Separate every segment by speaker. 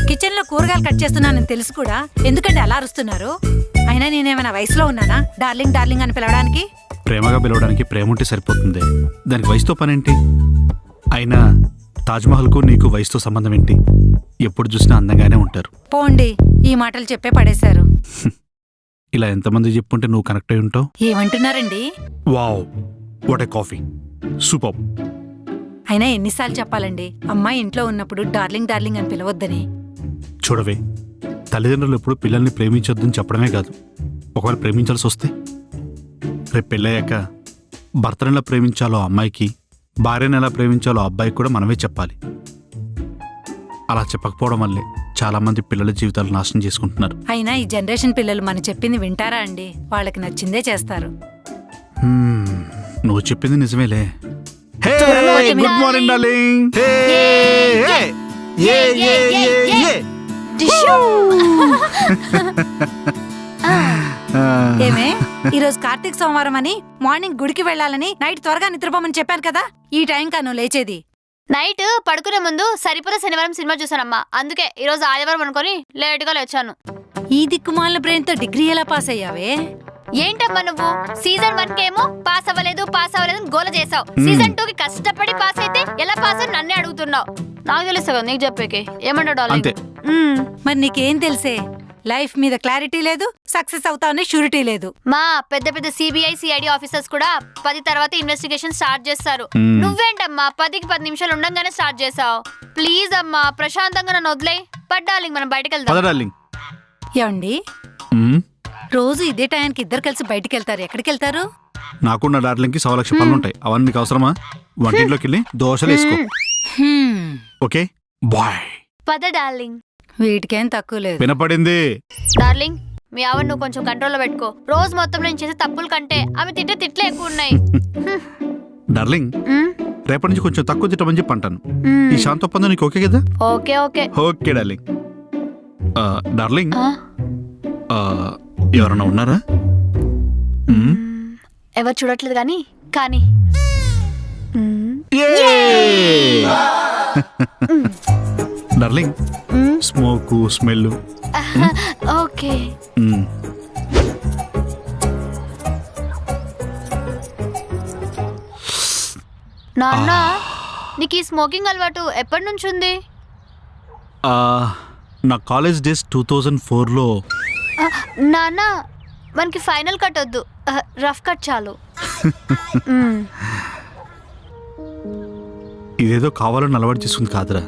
Speaker 1: Kitchen లో కూరగాయలు cut చేస్తున్నానని తెలుసు కూడా ఎందుకంటే అలా అరుస్తున్నారు? అయినా నేనేమైనా వయసులో ఉన్నానా డార్లింగ్ డార్లింగ్ అని పిలవడానికి?
Speaker 2: ప్రేమగా పిలవడానికి ప్రేమ ఉంటే సరిపోతుంది, దానికి వయసుతో పనేంటి? అయినా తాజ్మహల్కు నీకు వయసుతో సంబంధం ఏంటి? ఎప్పుడు చూసినా అందంగానే ఉంటారు.
Speaker 1: పోండి, ఈ మాటలు చెప్పే పడేశారు.
Speaker 2: ఇలా ఎంతమంది చెప్పుంటే నువ్వు కనెక్ట్ అయి ఉంటావు?
Speaker 1: ఏమంటున్నారండి?
Speaker 2: Wow, what a coffee, super.
Speaker 1: అయినా ఎన్నిసార్లు చెప్పాలండి అమ్మాయి ఇంట్లో ఉన్నప్పుడు డార్లింగ్ డార్లింగ్ అని పిలవద్దని?
Speaker 2: చూడవే, తల్లిదండ్రులు ఎప్పుడు పిల్లల్ని ప్రేమించొద్దని చెప్పడమే కాదు, ఒకవేళ ప్రేమించాల్సి వస్తే రేపు పెళ్ళయ్యాక భర్తను ఎలా ప్రేమించాలో అమ్మాయికి, భార్యను ఎలా ప్రేమించాలో అబ్బాయికి కూడా మనమే చెప్పాలి. అలా చెప్పకపోవడం వల్లే చాలా మంది పిల్లల జీవితాలు నాశనం చేసుకుంటున్నారు.
Speaker 1: అయినా ఈ జనరేషన్ పిల్లలు మనం చెప్పింది వింటారా అండి? వాళ్ళకి నచ్చిందే చేస్తారు.
Speaker 2: నువ్వు చెప్పింది నిజమేలే.
Speaker 1: Good
Speaker 2: morning darling.
Speaker 1: ఏమే, ఈ రోజు కార్తీక సోమవారం అని మార్నింగ్ గుడికి వెళ్ళాలని నైట్ త్వరగా నిద్రపోమని చెప్పాను కదా, ఈ టైం కాను లేచేది.
Speaker 3: నైట్ పడుకునే ముందు సరిపోల శనివారం సినిమా చూసానమ్మా, అందుకే ఈ రోజు ఆదివారం అనుకొని లేటుగా లేచాను.
Speaker 1: ఈ దిక్కుమాలిన బ్రెయిన్ తో డిగ్రీ ఎలా పాస్ అయ్యావే?
Speaker 3: ఏంటమ్మా నువ్వు సీజన్ 1 కేమో పాస్ అవ్వలేదు అని గోల చేసావు, సీజన్ 2 కి కష్టపడి పాస్ అయితే ఎలా పాస్ అని నన్నే అడుగుతున్నావు. నాకు తెలుసు కదా నీకు చెప్పేకి, ఏమంటావు డార్లింగ్?
Speaker 1: మరి నీకేం తెలుసే? లైఫ్ మీద క్లారిటీ లేదు, సక్సెస్ అవుతావని షూరిటీ లేదు.
Speaker 3: మా పెద్ద పెద్ద సిబిఐ సిఐడి ఆఫీసర్స్ కూడా 10 తర్వాత ఇన్వెస్టిగేషన్ స్టార్ట్ చేస్తారు. నువ్వేంటమ్మా 10కి 10 నిమిషాలు ఉండగానే స్టార్ట్ చేసావు. ప్లీజ్ అమ్మా ప్రశాంతంగా నన్ను వదిలే. డార్లింగ్ మనం బయటకు వెళ్దాం.
Speaker 1: ఏమండి, రోజు ఇదే టైంకి ఇద్దరు కలిసి బయటికి వెళ్తారు, ఎక్కడికి వెళ్తారు?
Speaker 2: నాకున్న డార్లింగ్కి 1,00,000 పనులు ఉంటాయి, అవన్నీ నీకు అవసరమా? వంటింట్లోకి వెళ్ళి దోశలు వేసుకో. Okay bye.
Speaker 3: పద డార్లింగ్.
Speaker 1: వీటికేం తక్కువ లేదు.
Speaker 2: వినపడింది
Speaker 3: డార్లింగ్, మీ ఆవిడ నువ్వు కొంచెం కంట్రోల్లో పెట్టుకో. రోజు మొత్తం నేను చేసే తప్పుల కంటే ఆమె తిట్లే ఎక్కువ ఉన్నాయి.
Speaker 2: డార్లింగ్, రేపటి నుంచి కొంచెం తక్కువ తిట్టమని చెప్పి అంటాను. ఈ శాంత ఒప్పందం నీకు ఓకే కదా?
Speaker 3: Okay okay
Speaker 2: okay darling. Darling, ఎవరన్నా ఉన్నారా?
Speaker 3: ఎవరు చూడట్లేదు కానీ కానీ
Speaker 2: డార్లింగ్, స్మోక్ స్మెల్
Speaker 3: ఓకే. నాన్న, నీకు ఈ స్మోకింగ్ అలవాటు ఎప్పటి నుంచి ఉంది?
Speaker 2: నా కాలేజ్ డేస్ 2004లో.
Speaker 3: నాన్న, మనకి ఫైనల్ కట్ వద్దు, రఫ్ కట్ చాలు.
Speaker 2: ఇదేదో కావాలని అలవాటు చేసుకుంది కాదురా.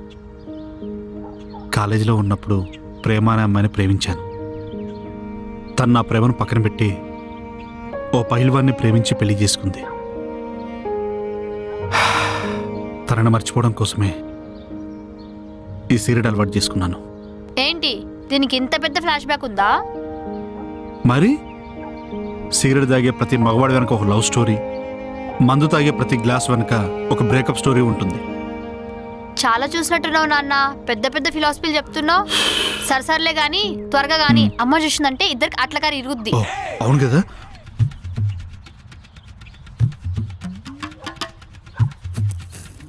Speaker 2: కాలేజీలో ఉన్నప్పుడు ప్రేమ అనే అమ్మాయిని ప్రేమించాను. తను నా ప్రేమను పక్కన పెట్టి ఓ పైల్వాన్ని ప్రేమించి పెళ్లి చేసుకుంది. తనని మర్చిపోవడం కోసమే ఈ సిగరెట్ అలవాటు చేసుకున్నాను.
Speaker 3: ఏంటి దీనికి ఇంత పెద్ద ఫ్లాష్ బ్యాక్ ఉందా?
Speaker 2: మరి సిగరెట్ తాగే ప్రతి మగవాడి వెనక ఒక లవ్ స్టోరీ, మందు తాగే ప్రతి గ్లాస్ వెనక ఒక బ్రేకప్ స్టోరీ ఉంటుంది.
Speaker 3: చాలా చూసినట్టున్నావు నాన్న, పెద్ద పెద్ద ఫిలాసఫీలు చెప్తున్నావు. సరసర్లే గాని త్వరగా గాని అమ్మ చూసిందంటే ఇద్దరికి అట్లకారి ఇరుగుద్ది.
Speaker 2: అవును కదా,